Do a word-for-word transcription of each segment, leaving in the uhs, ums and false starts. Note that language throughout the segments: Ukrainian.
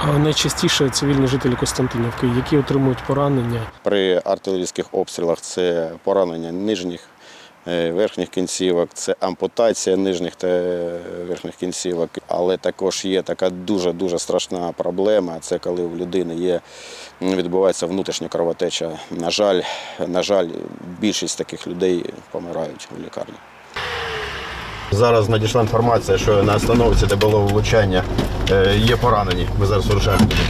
Найчастіше цивільні жителі Костянтинівки, які отримують поранення. При артилерійських обстрілах це поранення нижніх, верхніх кінцівок, це ампутація нижніх та верхніх кінцівок. Але також є така дуже-дуже страшна проблема, це коли у людини є, відбувається внутрішня кровотеча. На жаль, на жаль, більшість таких людей помирають у лікарні. Зараз надійшла інформація, що на остановці, де було влучання, є поранені. Ми зараз вирушаємо туди.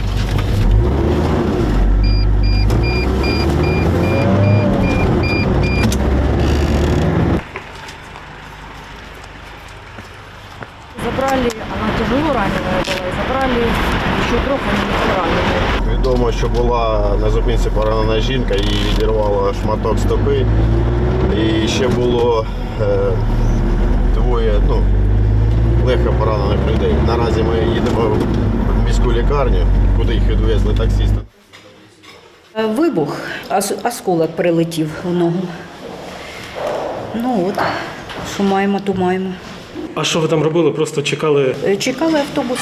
Забрали, она тяжело раненая была, и забрали еще трех раненых. Відомо, що була на зупинці поранена жінка, її відірвало шматок стопи. І ще було е, двоє ну, легко поранених людей. Наразі ми їдемо в міську лікарню, куди їх відвезли таксисти. Вибух, осколок прилетів в ногу. Ну от, що маємо, то маємо. А що ви там робили? Просто чекали? Чекали автобус.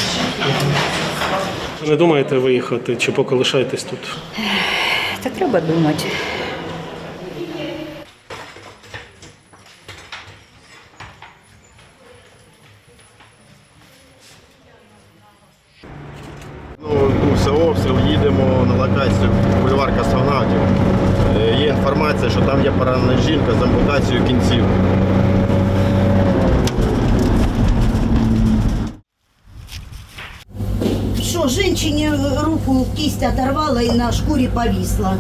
Не думаєте виїхати чи поки лишаєтесь тут? Та треба думати. Ну, це обстріл, їдемо на локацію бульвар Космонавтів. Є інформація, що там є поранена жінка з ампутацією кінців. Что, женщине руку, кисть оторвала и на шкуре повисла.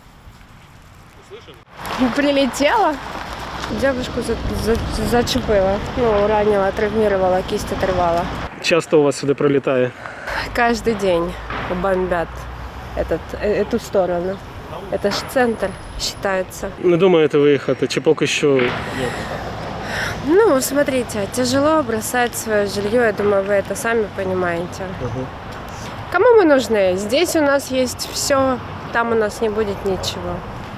Прилетела, девушку за, за, зачепила, ну, ранила, травмировала, кисть оторвала. Часто у вас сюди прилітає? Каждый день бомбят этот, эту сторону. Это ж центр считается. Не думаєте виїхати чи поки що? Ну, смотрите, тяжело бросать свое жилье, я думаю, вы это сами понимаете. Угу. Кому мы нужны? Здесь у нас есть все, там у нас не будет ничего.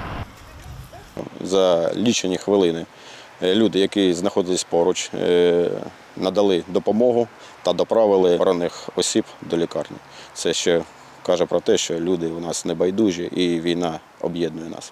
За лічені хвилини люди, які знаходились поруч, надали допомогу та доправили поранених осіб до лікарні. Це ще каже про те, що люди у нас небайдужі і війна об'єднує нас.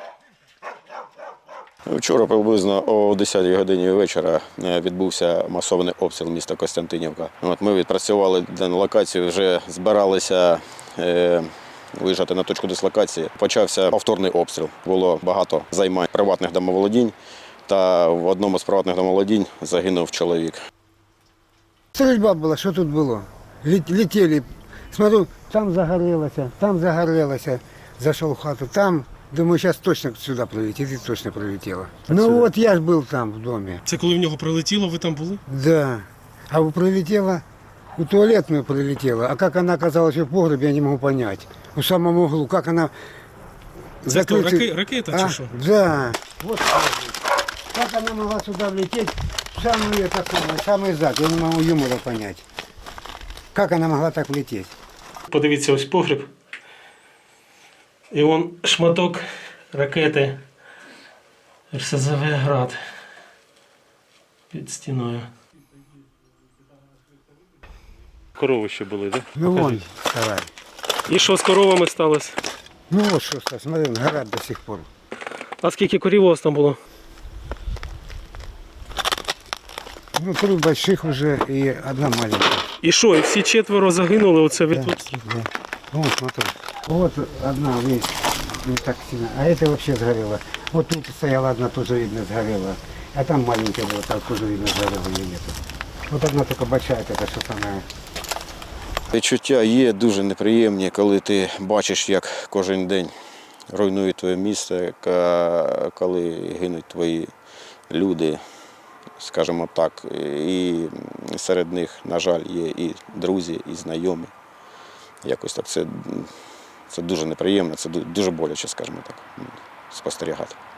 Вчора приблизно о десятій годині вечора відбувся масований обстріл міста Костянтинівка. От ми відпрацювали дану локацію, вже збиралися е, виїжджати на точку дислокації. Почався повторний обстріл. Було багато займань приватних домоволодінь, та в одному з приватних домоволодінь загинув чоловік. Стрільба була, що тут було? Летіли, смотрю, там загорілося, там загорілося, зайшов в хату, там. Думаю, зараз точно сюди прилетить, і точно прилетіло. Ну от я ж був там в домі. Це коли в нього прилетіло, ви там були? Да. А прилетела, у туалетную прилетела. А как она оказалась в погребе, я не могу понять. У самом углу, как она... Це хто, закрыться- раке- ракета А, чи що? Да. Вот как она могла сюда влететь, в самый, это самое, самый зад, я не могу юмора понять. Как она могла так влететь? Подивіться, ось погріб. І он шматок ракети РС З В «Град» під стіною. Корови ще були, так? Да? Ну вон, давай. І що з коровами сталося? Ну вот что, Стас, смотри, горят до сих пор. А скільки корів у вас там було? Ну, три больших уже и одна маленькая. І що, і всі четверо загинули оце від Да, да. Вот, смотри. Вот одна весь не так сильно, а это вообще сгорело. Вот тут стояла одна, тоже видно сгорела. А там маленькая была, там тоже видно сгорела или нет. Вот одна только большая, это что самое. Відчуття є дуже неприємні, коли ти бачиш, як кожен день руйнують твоє місто, коли гинуть твої люди, скажімо так. І серед них, на жаль, є і друзі, і знайомі. Якось так це, це дуже неприємно, це дуже боляче, скажімо так, спостерігати.